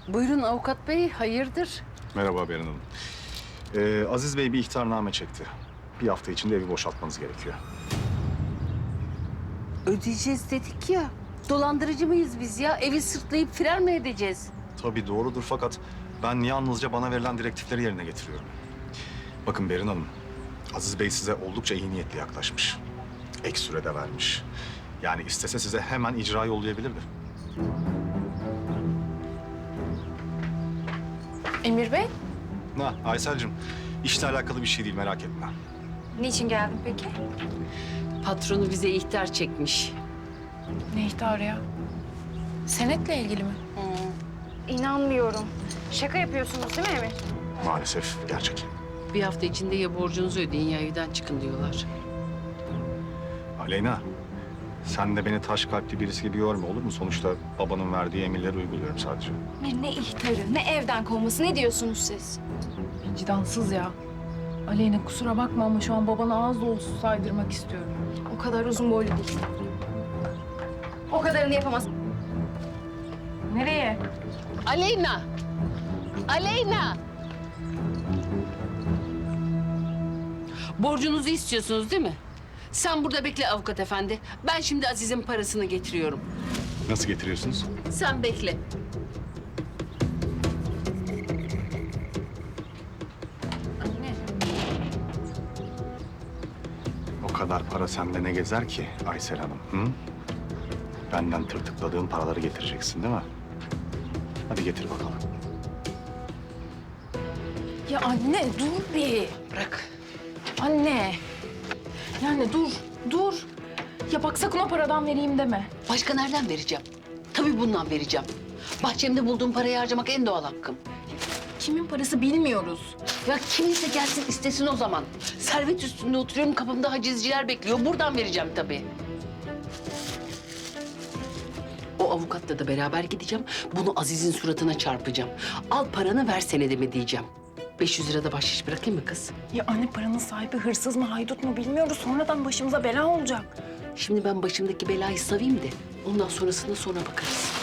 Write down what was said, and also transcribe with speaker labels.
Speaker 1: Buyurun avukat bey, hayırdır?
Speaker 2: Merhaba Beren Hanım. Aziz Bey bir ihtarname çekti. Bir hafta içinde evi boşaltmanız gerekiyor.
Speaker 1: Ödeyeceğiz dedik ya. Dolandırıcı mıyız biz ya? Evi sırtlayıp firar mı edeceğiz?
Speaker 2: Tabii doğrudur fakat ben yalnızca bana verilen direktifleri yerine getiriyorum. Bakın Beren Hanım, Aziz Bey size oldukça iyi niyetli yaklaşmış. Ek sürede vermiş. Yani istese size hemen icra yollayabilirdi.
Speaker 3: Emir Bey,
Speaker 2: Aysel'cim, işle alakalı bir şey değil, merak etme.
Speaker 3: niçin geldin peki?
Speaker 1: Patronu bize ihtar çekmiş.
Speaker 3: Ne ihtarı ya? Senetle ilgili mi?
Speaker 4: İnanmıyorum. Şaka yapıyorsunuz değil mi Emir?
Speaker 2: Maalesef gerçek.
Speaker 1: Bir hafta içinde ya borcunuzu ödeyin ya evden çıkın diyorlar.
Speaker 2: Aleyna, sen de beni taş kalpli birisi gibi görme, olur mu? Sonuçta babanın verdiği emirleri uyguluyorum sadece.
Speaker 4: Emir ne ihtarı, ne evden kovması, ne diyorsunuz siz?
Speaker 3: Vicdansız ya. Aleyna kusura bakma ama şu an babana ağız dolusu saydırmak istiyorum.
Speaker 4: O kadar uzun boylu değil. O kadarını yapamaz.
Speaker 3: Nereye?
Speaker 1: Aleyna! Aleyna! Borcunuzu istiyorsunuz değil mi? Sen burada bekle avukat efendi. Ben şimdi Aziz'in parasını getiriyorum.
Speaker 2: Nasıl getiriyorsunuz?
Speaker 1: Sen bekle.
Speaker 3: Anne.
Speaker 2: O kadar para sende ne gezer ki Aysel Hanım? Hı? Benden tırtıkladığın paraları getireceksin değil mi? Hadi getir bakalım.
Speaker 3: Ya anne dur bir.
Speaker 1: Bırak.
Speaker 3: Anne. Yani dur. Ya bak sakın o paradan vereyim deme.
Speaker 1: Başka nereden vereceğim? Tabii bundan vereceğim. Bahçemde bulduğum parayı harcamak en doğal hakkım.
Speaker 3: Kimin parası bilmiyoruz.
Speaker 1: Ya kiminse gelsin istesin o zaman. Servet üstünde oturuyorum, kapımda hacizciler bekliyor. Buradan vereceğim tabii. O avukatla da beraber gideceğim. Bunu Aziz'in suratına çarpacağım. Al paranı ver senedimi diyeceğim. 500 lira da bahşiş bırakayım mı kız?
Speaker 3: Ya anne paranın sahibi hırsız mı haydut mu bilmiyoruz. Sonradan başımıza bela olacak.
Speaker 1: Şimdi ben başımdaki belayı savayım da ondan sonrasında sonra bakarız.